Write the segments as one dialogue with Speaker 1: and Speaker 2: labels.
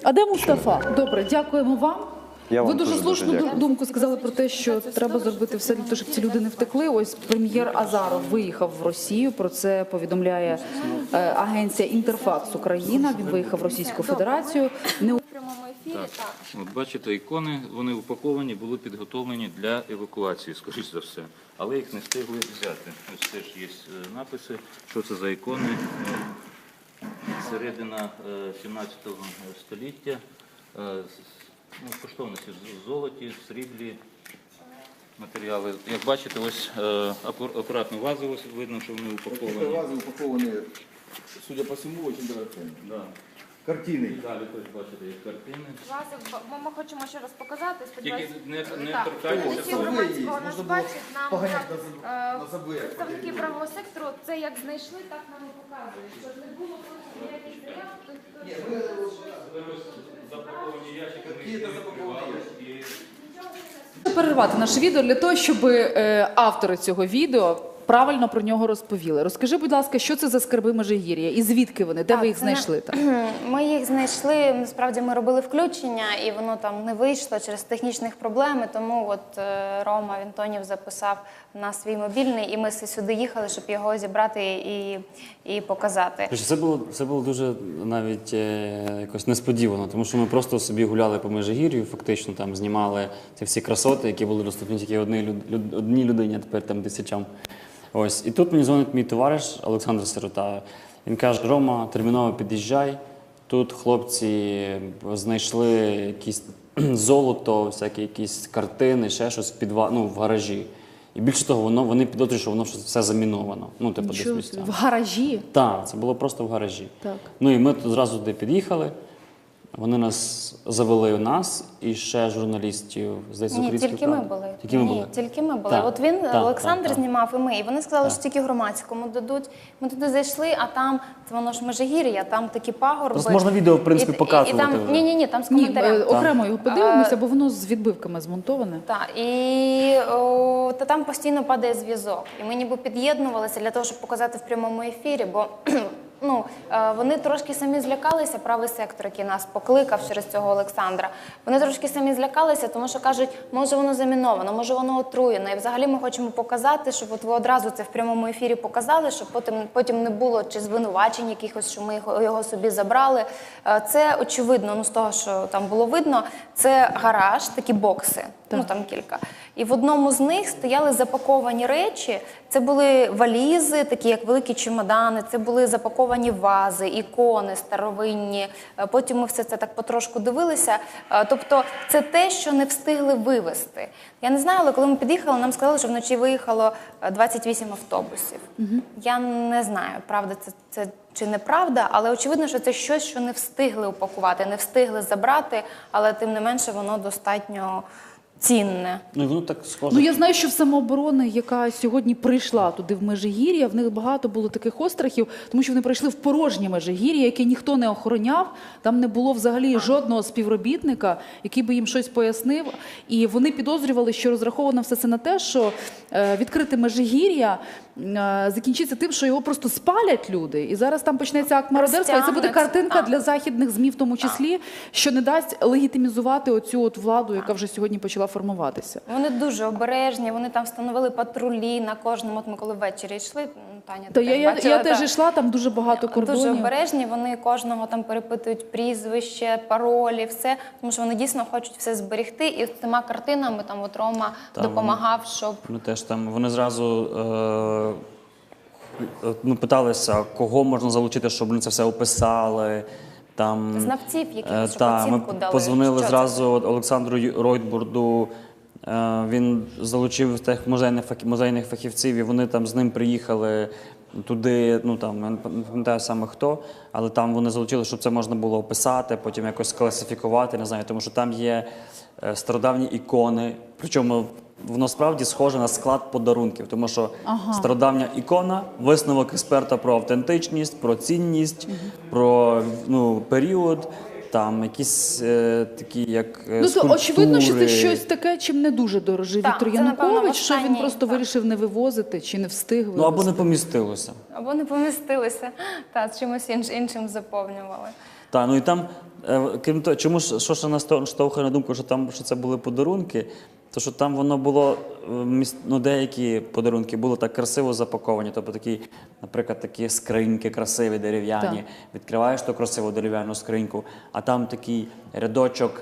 Speaker 1: А де Мустафа? Добре, дякуємо вам. Ви дуже слушну
Speaker 2: дякую.
Speaker 1: думку сказали про те, що треба зробити все для того, щоб ці люди не втекли. Ось прем'єр Азаров виїхав в Росію, про це повідомляє агенція «Інтерфакс Україна». Він виїхав в Російську Федерацію.
Speaker 3: В прямому ефірі, так.
Speaker 4: От бачите, ікони, вони упаковані, були підготовлені для евакуації, скоріш за все. Але їх не встигли взяти. Ось теж є написи, що це за ікони. Середина 17 століття. Коштовності в золоті, в сріблі матеріали. Як бачите, ось акуратно вази, ось видно, що вони упаковані.
Speaker 2: Вази упаковані, судя по всьому, дуже дорогими.
Speaker 4: Да.
Speaker 2: Картини.
Speaker 4: Далі теж бачите, є картини.
Speaker 3: Ми хочемо ще раз показати.
Speaker 4: Тільки не
Speaker 3: Так.
Speaker 4: торкайтеся.
Speaker 3: Всі громадського нас бачать, нам
Speaker 2: на забоях.
Speaker 3: представники правого сектору це як знайшли, так нам і показують. Щоб не було просто ніяких заяв.
Speaker 4: Запаковані ящики,
Speaker 1: Перервати наше відео для того, щоб автори цього відео правильно про нього розповіли. Розкажи, будь ласка, що це за скарби Межигір'я і звідки вони? Де ви їх знайшли?
Speaker 3: Ми їх знайшли, насправді ми робили включення, і воно там не вийшло через технічних проблем, тому от Рома Вінтонів записав на свій мобільний, і ми сюди їхали, щоб його зібрати і показати.
Speaker 5: Це було дуже навіть якось несподівано, тому що ми просто собі гуляли по Межигір'ю, фактично там знімали ці всі красоти, які були доступні тільки одній людині, а тепер там тисячам. Ось. І тут мені дзвонить мій товариш Олександр Сирота. Він каже: Рома, терміново під'їжджай. Тут хлопці знайшли якісь золото, всякі якісь картини, ще щось в гаражі. І більше того, вони підозрюють, що воно все заміновано. Типу, десь місця.
Speaker 1: В гаражі?
Speaker 5: Так, це було просто в гаражі.
Speaker 1: Так.
Speaker 5: І ми зразу туди під'їхали. Вони нас завели і ще журналістів, здається,
Speaker 3: Ні,
Speaker 5: українських
Speaker 3: тільки ми
Speaker 5: прав.
Speaker 3: були.
Speaker 5: Тільки ми були?
Speaker 3: Ні, тільки ми були.
Speaker 5: Так,
Speaker 3: От він,
Speaker 5: так,
Speaker 3: Олександр,
Speaker 5: так.
Speaker 3: знімав, і ми. І вони сказали, що тільки громадському дадуть. Ми туди зайшли, а там, воно ж Межигір'я, там такі пагорби.
Speaker 5: Просто можна відео, в принципі, показувати вже.
Speaker 3: Ні, там з
Speaker 1: Ні,
Speaker 3: коментарями.
Speaker 1: окремо його подивимося, бо воно з відбивками змонтоване.
Speaker 3: Так, та там постійно падає зв'язок. І ми ніби під'єднувалися для того, щоб показати в прямому ефірі, бо вони трошки самі злякалися, правий сектор, який нас покликав через цього Олександра. Вони трошки самі злякалися, тому що кажуть, може воно заміновано, може воно отруєно. І взагалі ми хочемо показати, щоб от ви одразу це в прямому ефірі показали, щоб потім не було чи звинувачень якихось, що ми його собі забрали. Це очевидно, з того, що там було видно, це гараж, такі бокси, там кілька. І в одному з них стояли запаковані речі, це були валізи, такі як великі чемодани, це були запаковані вази, ікони старовинні. Потім ми все це так потрошку дивилися. Тобто це те, що не встигли вивезти. Я не знаю, але коли ми під'їхали, нам сказали, що вночі виїхало 28 автобусів. Я не знаю, правда це чи неправда, але очевидно, що це щось, що не встигли упакувати, не встигли забрати, але тим не менше воно достатньо цінне.
Speaker 5: І воно так схоже.
Speaker 1: Я знаю, що в самооборони, яка сьогодні прийшла туди в Межигір'я, в них багато було таких острахів, тому що вони прийшли в порожнє Межигір'я, яке ніхто не охороняв, там не було взагалі жодного співробітника, який би їм щось пояснив. І вони підозрювали, що розраховано все це на те, що відкрите Межигір'я закінчиться тим, що його просто спалять люди. І зараз там почнеться акт мародерства, і це буде картинка для західних ЗМІ в тому числі, що не дасть легітимізувати оцю владу, яка вже сьогодні почала формуватися.
Speaker 3: Вони дуже обережні, вони там встановили патрулі на кожному. От ми коли ввечері йшли, Таня,
Speaker 1: Та
Speaker 3: ти бачила,
Speaker 1: я теж йшла, там дуже багато кордонів.
Speaker 3: Дуже обережні, вони кожного там перепитують прізвище, паролі, все, тому що вони дійсно хочуть все зберегти. І з цими картинами там от Рома допомагав, щоб...
Speaker 5: Вони зразу питалися, кого можна залучити, щоб вони це все описали.
Speaker 3: Знавців, яких щоб оцінку
Speaker 5: ми
Speaker 3: дали.
Speaker 5: позвонили зразу Олександру Ройтбурду, він залучив тих музейних фахівців, і вони там з ним приїхали туди, я не пам'ятаю саме хто, але там вони залучили, щоб це можна було описати, потім якось класифікувати, не знаю, тому що там є стародавні ікони, причому воно справді схоже на склад подарунків, тому що стародавня ікона, висновок експерта про автентичність, про цінність, про період, там якісь такі, як скульптури.
Speaker 1: Очевидно, що це щось таке, чим не дуже дорожив Віктор Янукович, що він просто вирішив не вивозити чи не встиг вивозити.
Speaker 5: Або не помістилося.
Speaker 3: Або не помістилися, з чимось іншим заповнювали.
Speaker 5: Так, ну і там, крім того, чому ж, що ж нас штовхає на думку, що це були подарунки, то що там воно було, ну, деякі подарунки були так красиво запаковані, тобто такі, наприклад, такі скриньки красиві, дерев'яні,
Speaker 1: Так.
Speaker 5: відкриваєш ту красиву дерев'яну скриньку, а там такий рядочок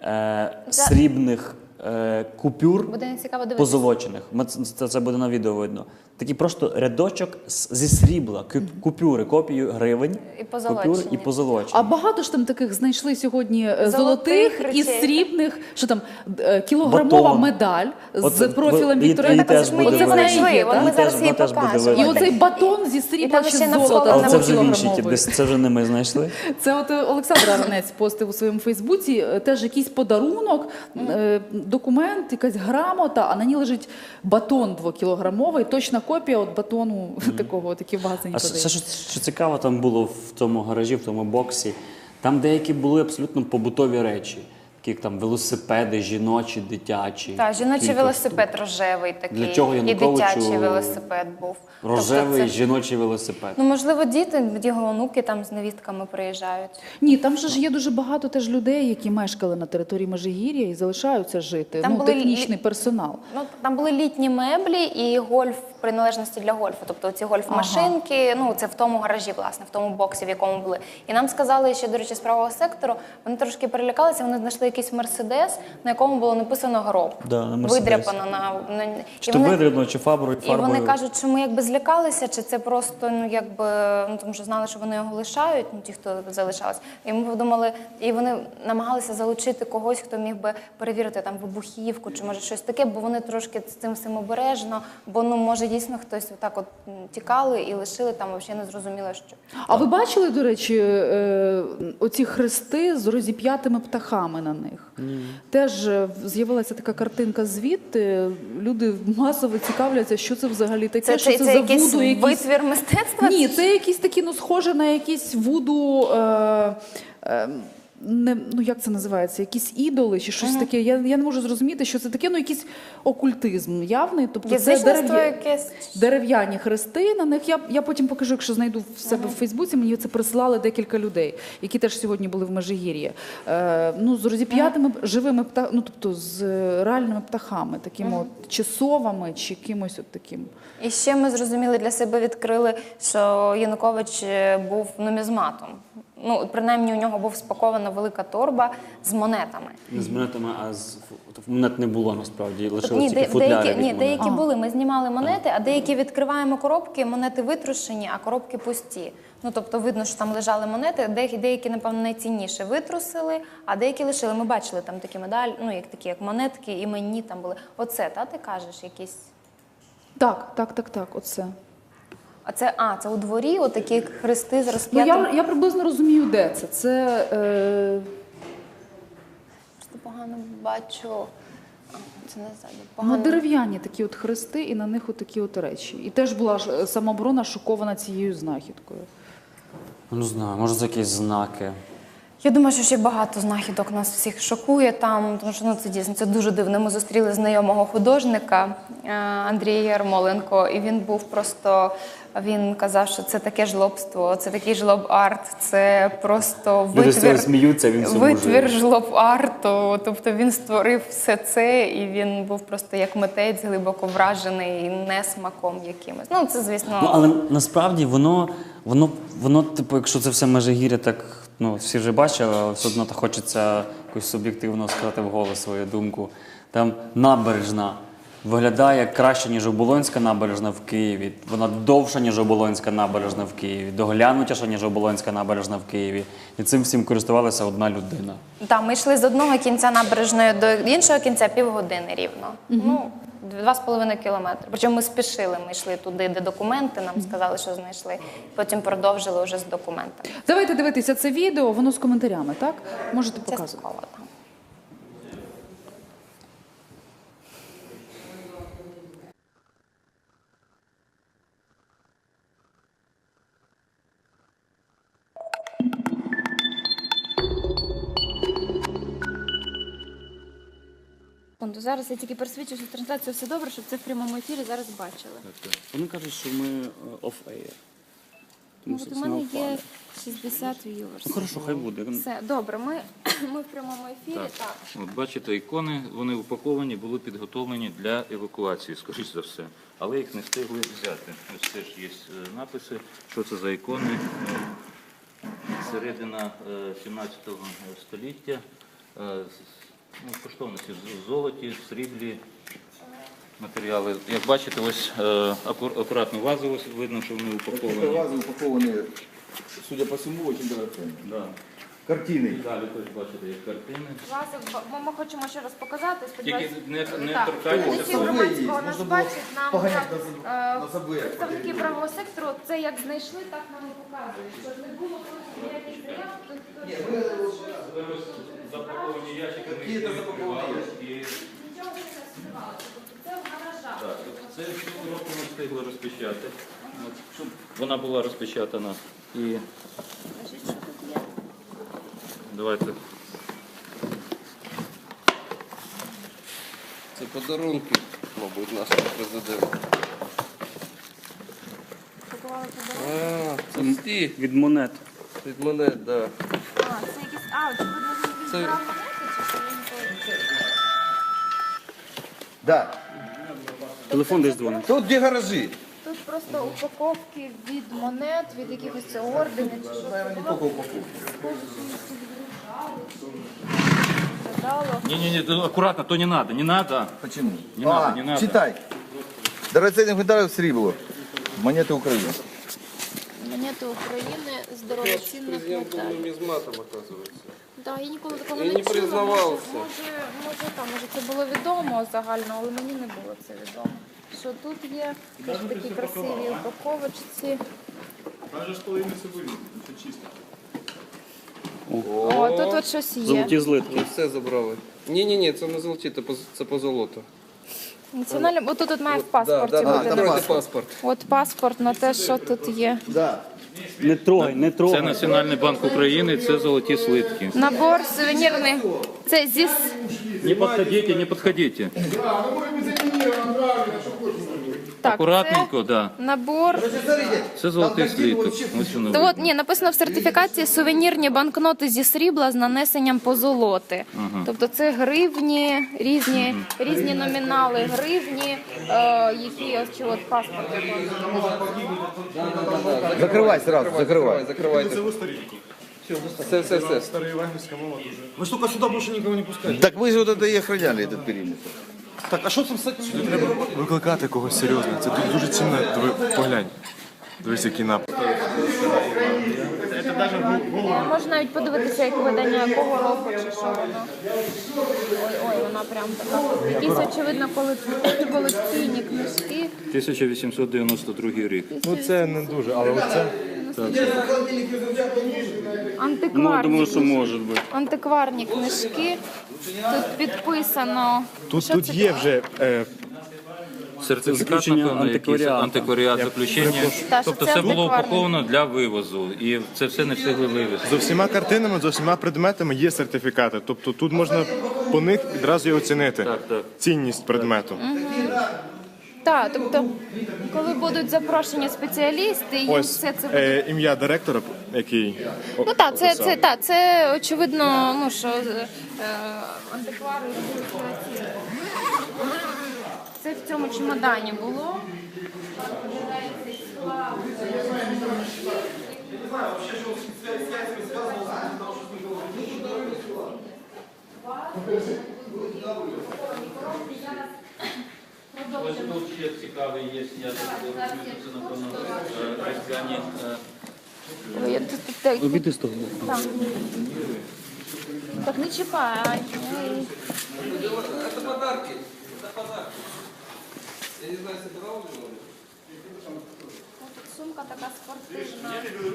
Speaker 5: срібних купюр
Speaker 3: Буде цікаво дивитися.
Speaker 5: позолочених. Це буде на відео видно. Такий просто рядочок зі срібла, купюри, копію гривень,
Speaker 3: І позолочені.
Speaker 5: купюри і позолочені.
Speaker 1: А багато ж там таких знайшли сьогодні
Speaker 3: Золотих
Speaker 1: золотих і
Speaker 3: речей.
Speaker 1: срібних, що там, кілограмова
Speaker 5: Батон.
Speaker 1: медаль з
Speaker 5: От,
Speaker 1: профілем
Speaker 5: і-
Speaker 1: Віктора
Speaker 5: і
Speaker 1: Януковича.
Speaker 5: теж
Speaker 3: Ми
Speaker 5: буде
Speaker 3: її
Speaker 1: Оце в неї
Speaker 3: знайшли,
Speaker 1: є,
Speaker 3: от
Speaker 1: так?
Speaker 3: ми зараз її
Speaker 5: теж буде
Speaker 3: покажемо.
Speaker 1: І
Speaker 5: видно.
Speaker 1: оцей батон зі
Speaker 3: І
Speaker 1: срібла
Speaker 3: там
Speaker 1: чи
Speaker 3: ще
Speaker 1: з
Speaker 3: на
Speaker 1: золота
Speaker 3: фото
Speaker 5: Але це вже в іншій,
Speaker 1: двокілограмовий.
Speaker 5: десь це вже не ми знайшли.
Speaker 1: Це от Олександр Аронець постив у своєму Фейсбуці теж якийсь подарунок, документ, якась грамота, а на ній лежить батон 2-кілограмовий, точна копія от батону такого, от, який в магазині
Speaker 5: А
Speaker 1: продають.
Speaker 5: ще що цікаво там було в тому гаражі, в тому боксі, там деякі були абсолютно побутові речі, такі як там велосипеди, жіночі, дитячі.
Speaker 3: Так, жіночий
Speaker 5: кілька
Speaker 3: велосипед рожевий такий.
Speaker 5: Для чого
Speaker 3: і
Speaker 5: Януковичу
Speaker 3: дитячий велосипед був.
Speaker 5: Рожевий
Speaker 3: Тобто це-
Speaker 5: жіночий велосипед.
Speaker 3: Ну, можливо, діти, його онуки там з невістками приїжджають.
Speaker 1: Ні, там же ж є дуже багато теж людей, які мешкали на території Межигір'я і залишаються жити.
Speaker 3: Там
Speaker 1: Ну,
Speaker 3: були
Speaker 1: технічний персонал.
Speaker 3: Ну, там були літні меблі і гольф приналежності для гольфу. Тобто ці гольф-машинки, ну це в тому гаражі, власне, в тому боксі, в якому були. І нам сказали, ще, до речі, з правого сектору, вони трошки перелякалися, вони знайшли якийсь мерседес, на якому було написано гроб.
Speaker 5: Да, на «Мерседесі».
Speaker 3: Видряпано на...
Speaker 5: Чи то видрібно, чи фарбою.
Speaker 3: І вони кажуть, що ми якби злякалися, чи це просто, ну якби, ну тому що знали, що вони його лишають, ну ті, хто залишалися. І ми подумали, і вони намагалися залучити когось, хто міг би перевірити там вибухівку, чи може щось таке, бо вони трошки з цим всім обережно, бо ну може дійсно хтось отак от тікали і лишили там, взагалі не зрозуміло, що.
Speaker 1: А ви бачили, до речі, оці хрести з розіп'ятими птахами на них? Теж з'явилася така картинка звідти. Люди масово цікавляться, що це взагалі таке, що це за
Speaker 3: якийсь
Speaker 1: вуду, якісь...
Speaker 3: витвір мистецтва?
Speaker 1: Ні, це якісь такі, ну, схоже на якісь вуду, не, ну як це називається, якісь ідоли чи щось таке. Я не можу зрозуміти, що це таке, ну якийсь окультизм явний. Тобто це
Speaker 3: Язичництво якесь.
Speaker 1: дерев'яні хрести на них. Я потім покажу, якщо знайду в себе в Фейсбуці, мені це присилали декілька людей, які теж сьогодні були в Межигір'ї. Ну, з розіп'ятими живими птахами, ну тобто з реальними птахами, такими от, чи совами, чи кимось от таким.
Speaker 3: І ще ми зрозуміли для себе, відкрили, що Янукович був нумізматом. Ну, принаймні, у нього був спакована велика торба з монетами.
Speaker 5: Не з монетами, а з монет не було насправді, лишилось
Speaker 3: Ні,
Speaker 5: тільки футляри
Speaker 3: деякі,
Speaker 5: від
Speaker 3: ні,
Speaker 5: монет.
Speaker 3: деякі були. Ми знімали монети, а деякі відкриваємо коробки, монети витрушені, а коробки пусті. Ну, тобто видно, що там лежали монети, деякі, напевно, найцінніше витрусили, а деякі лишили. Ми бачили там такі медалі, ну, як такі, як монетки, іменні там були. Оце, та, ти кажеш, якісь...
Speaker 1: Так, оце.
Speaker 3: Це у дворі, отакі хрести з
Speaker 1: Ну,
Speaker 3: розп'ятим.
Speaker 1: я приблизно розумію, де це. Це
Speaker 3: Просто погано бачу. Це не ззаду.
Speaker 1: ну,
Speaker 3: Погано.
Speaker 1: дерев'яні такі от хрести, і на них от такі от речі. І теж була ж самооборона шокована цією знахідкою.
Speaker 5: Ну, не знаю, може це якісь знаки.
Speaker 3: Я думаю, що ще багато знахідок нас всіх шокує там, тому що ну, це дійсно це дуже дивно. Ми зустріли знайомого художника Андрія Ярмоленко, і він був просто, він казав, що це таке жлобство, це такий жлоб-арт, це просто
Speaker 5: Люди з цього сміються, він в цьому
Speaker 3: витвір
Speaker 5: живе.
Speaker 3: жлоб-арту. Тобто він створив все це, і він був просто як митець глибоко вражений несмаком якимось. Ну, це, звісно...
Speaker 5: Ну, але насправді воно, типу, якщо це все Межигір'я, так, ну, всі вже бачили, але все одно так хочеться якось суб'єктивно сказати вголос свою думку. Там набережна виглядає краще, ніж Оболонська набережна в Києві. Вона довша, ніж Оболонська набережна в Києві, доглянутіша, ніж Оболонська набережна в Києві. І цим всім користувалася одна людина.
Speaker 3: Так, ми йшли з одного кінця набережної до іншого кінця півгодини рівно. Ну, 2,5 кілометри. Причому ми спішили, ми йшли туди, де документи, нам сказали, що знайшли. Потім продовжили вже з документами.
Speaker 1: Давайте дивитися це відео, воно з коментарями, так? Можете показувати.
Speaker 3: Частково там.
Speaker 6: Зараз я тільки пересвідчу, що трансляція все добре, щоб це в прямому ефірі зараз бачили.
Speaker 5: Вони кажуть, що ми off-air.
Speaker 6: Ну, от у мене є 60 viewers.
Speaker 5: Хорошо, хай буде.
Speaker 6: Все, добре, ми в прямому ефірі, так.
Speaker 4: От бачите, ікони, вони упаковані, були підготовлені для евакуації, скоріш за все. Але їх не встигли взяти. Ось теж є написи, що це за ікони. Середина 17 століття. Коштовності в золоті, в сріблі. Матеріали. Як бачите, ось акуратно вази, ось видно, що вони упаковані.
Speaker 2: Вазы упакованы, судя по всему, очень драгоценные.
Speaker 4: Да.
Speaker 2: Картины.
Speaker 4: Далі теж бачите, як картини.
Speaker 6: Власне, ми хочемо ще раз показати,
Speaker 4: Тільки не
Speaker 6: Так,
Speaker 4: торкайтеся.
Speaker 6: усі громадського нас бачать, нам
Speaker 2: погонять
Speaker 6: так,
Speaker 2: на забоях.
Speaker 6: представники правого сектору, це як знайшли, так нам і показують. Що не було просто ніяких заяв,
Speaker 4: Запаковані ящики.
Speaker 2: Какие-то запакованные ящики.
Speaker 6: нічого не розкривалося. Тобто це в гаражах.
Speaker 4: Так, це цю року ми встигли розпечатати. От, щоб вона була розпечатана. І
Speaker 6: Значить, що тут є?
Speaker 4: давайте.
Speaker 7: Це подарунки, мабуть, нашого президента.
Speaker 6: Пакували подарунки.
Speaker 7: Пусті
Speaker 5: Від монет.
Speaker 7: від мене, так. Да.
Speaker 6: Це якісь, очевидно, він
Speaker 7: Це-
Speaker 6: відбирав монети, чи що він
Speaker 2: Да.
Speaker 5: Телефон десь дзвонить.
Speaker 2: Тут где гаражи?
Speaker 6: Тут просто упаковки від монет, від якихось орденів, чи що це
Speaker 2: Наверное, не
Speaker 6: було.
Speaker 2: только упаковки.
Speaker 6: Виглядало.
Speaker 4: Не, аккуратно, то не надо, не надо.
Speaker 2: Почему?
Speaker 4: Не надо, не надо.
Speaker 2: Читай. Драгоценных металлов срібло. Монеты Украины.
Speaker 6: Монети України з дорогоцінних
Speaker 7: Президент був
Speaker 6: металів.
Speaker 7: нумізматом, оказується.
Speaker 6: Так, я ніколи такого
Speaker 7: І
Speaker 6: не
Speaker 7: не
Speaker 6: чула.
Speaker 7: признавався.
Speaker 6: Може це було відомо загально, але мені не було це відомо. Що тут є теж такі красиві упаковочці. О, тут от щось є.
Speaker 5: Золоті злитки.
Speaker 7: Все забрали. Ні, це не золоті, це по золоту.
Speaker 6: Національне, отут тут має в паспорті
Speaker 7: Да,
Speaker 6: бути.
Speaker 7: давайте паспорт.
Speaker 6: От паспорт на те, що тут є.
Speaker 2: Да.
Speaker 5: Не трогай, не
Speaker 4: Це
Speaker 5: трогай.
Speaker 4: Національний банк України, це золоті слитки.
Speaker 6: Набор сувенірний. Це зі
Speaker 4: Не підходите, не підходите.
Speaker 6: так,
Speaker 4: Акуратненько, да.
Speaker 6: це набор.
Speaker 4: Це золотий слиток. Ось воно.
Speaker 6: То от, ні, написано в сертифікації сувенірні банкноти зі срібла з нанесенням позолоти. Тобто це гривні, різні номінали гривні, які ось чи от паспорт.
Speaker 2: Закрывай сразу, закрывай.
Speaker 7: Закривайте. Все.
Speaker 8: Вы только сюда больше никого не пускаете.
Speaker 2: Так вы же вот это и охраняли этот периметр.
Speaker 8: Так, а що там з цим? Треба викликати когось серйозного. Це тут дуже цінно. Диви, поглянь. Дивись, який напад.
Speaker 6: Можна навіть подивитися, як видання якого року чи що воно. Ой, вона прям така. Якісь, очевидно, колекційні книжки.
Speaker 4: 1892 рік.
Speaker 8: Ну це не дуже, але оце.
Speaker 5: Ну, думаю, що може бути.
Speaker 6: Антикварні книжки. Тут підписано.
Speaker 8: Тут
Speaker 6: Що це
Speaker 8: є
Speaker 6: таке?
Speaker 8: вже
Speaker 4: Сертифікат,
Speaker 5: Заключення
Speaker 4: напевно, якийсь
Speaker 5: антикваріату.
Speaker 4: антикваріат, заключення.
Speaker 6: Та, що
Speaker 4: Тобто
Speaker 6: це
Speaker 4: це було
Speaker 6: антикварне.
Speaker 4: упаковано для вивозу. І це все не встигли вивезти.
Speaker 8: з усіма картинами, з усіма предметами є сертифікати. Тобто тут можна по них відразу і оцінити
Speaker 4: Так.
Speaker 8: цінність предмету.
Speaker 6: Так, тобто, коли будуть запрошені спеціалісти, їм
Speaker 8: Ось
Speaker 6: все це буде.
Speaker 8: ім'я директора, який
Speaker 6: Ну так,
Speaker 8: описав.
Speaker 6: це очевидно, ну що антиквари це в цьому чемодані було.
Speaker 4: Ось тут ще цікавий є, я це, напевно, різдвяні.
Speaker 6: Ой, тут-
Speaker 5: Обійди з того боку.
Speaker 6: Так. Так не чіпай. Ай.
Speaker 7: Це подарки. Я не знаю, собирав ли вони?
Speaker 6: Тут сумка така спортивна.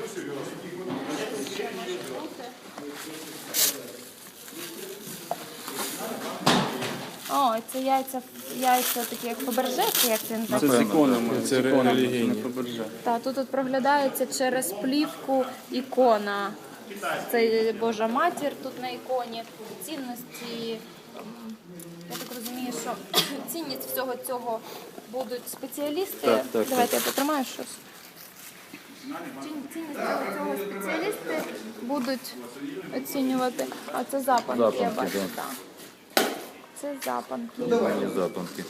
Speaker 6: Ще може бути. О, це яйця такі як Фаберже, чи як це
Speaker 5: Це
Speaker 6: називається?
Speaker 5: з іконами.
Speaker 8: Це релігійні.
Speaker 5: Не побережа.
Speaker 6: Так, тут проглядається через плівку ікона. Це Божа матір тут на іконі. Цінності, я так розумію, що цінність всього цього будуть спеціалісти.
Speaker 5: Так.
Speaker 6: Давайте я потримаю щось. Цінність цього спеціалісти будуть оцінювати. А це запанки, я
Speaker 4: Запанки,
Speaker 6: бачу,
Speaker 4: да.
Speaker 6: так. Це запанки.
Speaker 4: Давай запанки.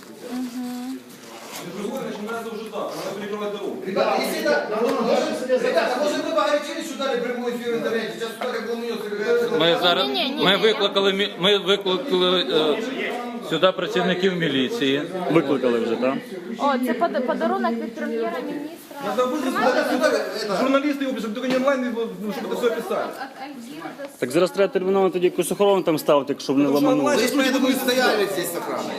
Speaker 2: Ребята, может вы погорячились, что дали прямой эфир в интернете? Сейчас сюда как волнуется.
Speaker 4: Ми зараз
Speaker 6: Ні-ні-ні.
Speaker 4: ми викликали сюди працівників міліції.
Speaker 5: Викликали вже, так?
Speaker 6: О, це подарунок від прем'єра-міністра.
Speaker 2: Журналисты его пишут, только не онлайн, чтобы это все описали.
Speaker 5: Так зараз треба терміново тоді якусь охорону там ставити, щоб не ламанули.
Speaker 2: Здесь поэтому и стояли здесь с охраной.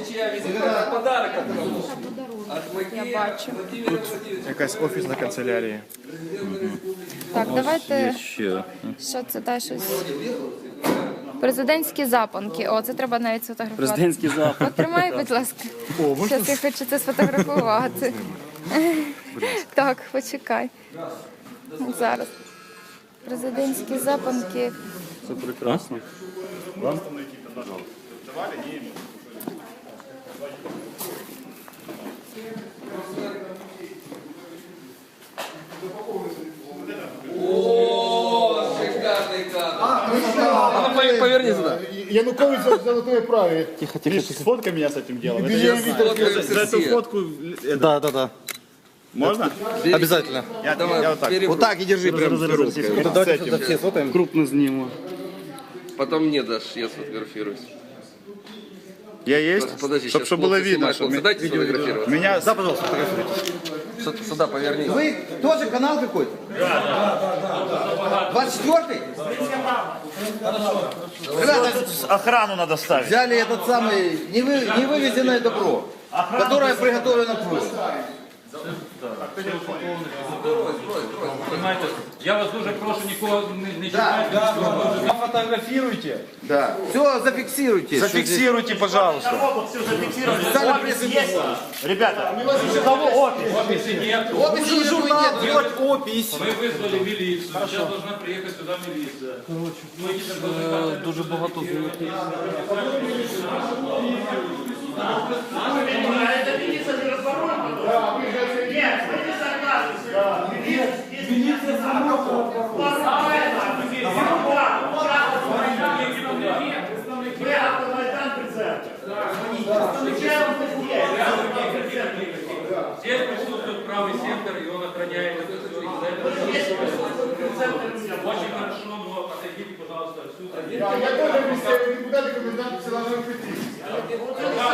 Speaker 6: Я бачу.
Speaker 8: Якась офісна канцелярія.
Speaker 6: Так, давайте,
Speaker 4: Ще.
Speaker 6: що це та щось? Президентські запанки. О, це треба навіть сфотографувати.
Speaker 5: Президентський запит.
Speaker 6: Потримай, будь ласка. Зараз я хочу це сфотографувати. Так, почекай. Зараз. Президентські запанки.
Speaker 5: Це прекрасно.
Speaker 7: Поверни сюда.
Speaker 9: Янукович за золотое праве.
Speaker 5: Тихо, тихо, тихо.
Speaker 9: Сфоткай меня с этим делом.
Speaker 8: За цю фотку.
Speaker 2: Да.
Speaker 8: Можна?
Speaker 2: Обязательно.
Speaker 8: Я вот так.
Speaker 2: Вот так и держи прям
Speaker 5: Зараз, зараз,
Speaker 2: ручкой.
Speaker 5: зараз.
Speaker 2: Вот давайте сюда все сфотаем.
Speaker 5: Крупно зніму.
Speaker 7: Потом мне дашь, я сфотографируюсь.
Speaker 8: Я є?
Speaker 7: Подожди,
Speaker 8: Щоб було видно.
Speaker 7: Дайте сфотографироваться.
Speaker 8: Меня...
Speaker 2: Да, пожалуйста, фотографируйтесь.
Speaker 7: Сюда поверни.
Speaker 2: Вы тоже канал какой-то? Да. 24-й? Ребята,
Speaker 9: Охрану надо ставить.
Speaker 2: взяли этот самый невывезенное добро, которое приготовлено к вывозу.
Speaker 4: Понимаете, я вас дуже прошу нікого не чіпати.
Speaker 9: Фотографируйте.
Speaker 2: Да. Все зафиксируйте.
Speaker 9: Зафиксируйте, пожалуйста.
Speaker 2: Опись
Speaker 9: есть? Ребята, у кого опись?
Speaker 2: Опись журнал,
Speaker 9: Делать опись.
Speaker 4: Ми визвали міліцію, зараз должна приїхати сюди міліція.
Speaker 7: Дуже багато.
Speaker 4: Здесь присутствует правый сектор, и он охраняет это все. Очень хорошо, но отойдите, пожалуйста, отсюда.
Speaker 9: Я тоже представляю депутаты комендант силовых петиций.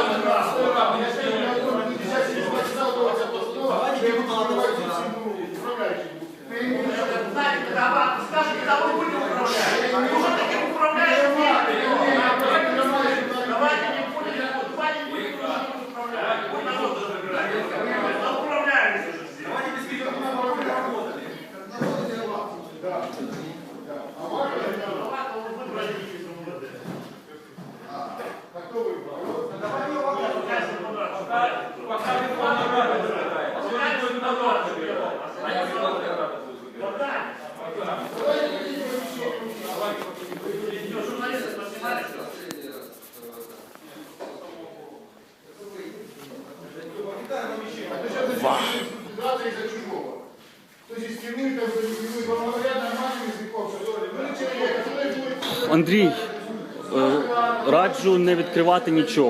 Speaker 9: Из-за чужого. То есть из тюрьмы, там, вам говорят нормальным языком, что вы человек, который будет...
Speaker 5: Андрій, раджу не відкривати нічого.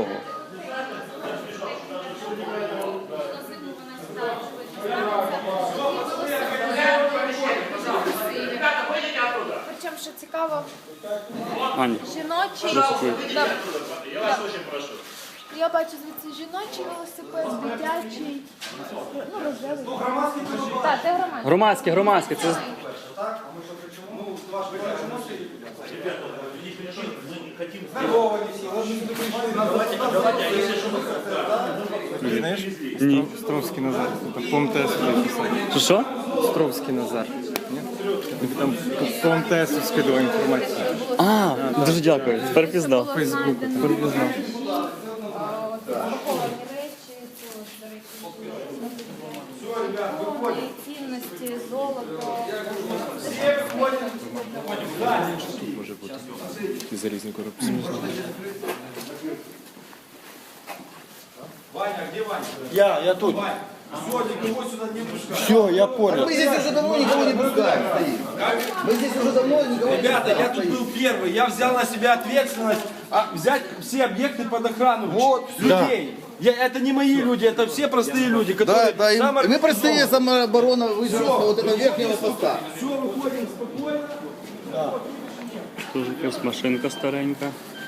Speaker 6: Причому, що цікаво,
Speaker 5: Аня,
Speaker 6: жіночий.
Speaker 5: Дякую.
Speaker 6: Да. Я бачу звідси жіночий велосипед, дитячий, ну, рожевий. Так, це громадський.
Speaker 5: громадське. Це... Ні.
Speaker 8: Стровський Назар. Там по МТС написано.
Speaker 5: Що?
Speaker 8: Стровський Назар. Там по МТС скидував інформацію.
Speaker 5: А, дуже дякую. Тепер пізнав.
Speaker 8: Фейсбуку. Тепер пізнав.
Speaker 6: поховані речі, до речі, цінності, золото.
Speaker 8: Тут може бути. І залізні коробці.
Speaker 9: Я тут. Все, я понял.
Speaker 2: Мы здесь уже давно никого не пускаем, стоим. Мы здесь уже давно никого не
Speaker 10: Ребята,
Speaker 2: пускаем.
Speaker 10: я тут был первый, я взял на себя ответственность взять все объекты под охрану людей. Это не мои люди, это все простые люди,
Speaker 2: Да,
Speaker 10: которые
Speaker 2: да, и
Speaker 10: самые
Speaker 2: мы простые самооборона выживут вот этого верхнего поста.
Speaker 10: Все, выходим спокойно.
Speaker 5: Тут якась машинка старенька.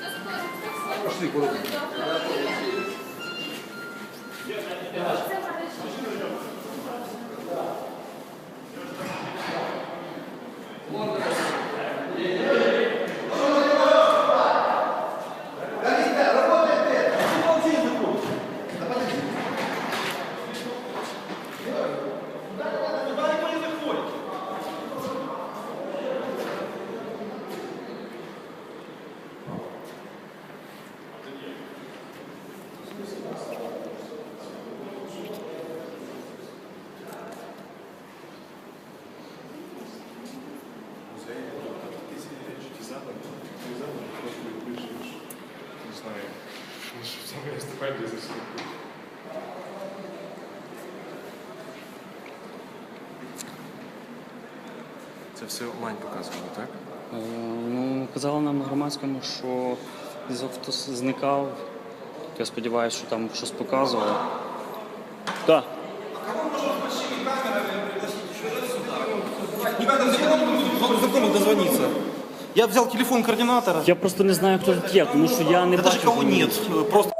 Speaker 8: Це все онлайн показували, так?
Speaker 5: Ну, казали нам на громадському, що зв'язок хтось зникав. Я сподіваюся, що там щось показували. Так.
Speaker 10: Знакомый дозвониться. Я взял телефон координатора.
Speaker 5: Я просто не знаю, хто тут є, тому що я не бачу.
Speaker 10: Даже кого нет. Просто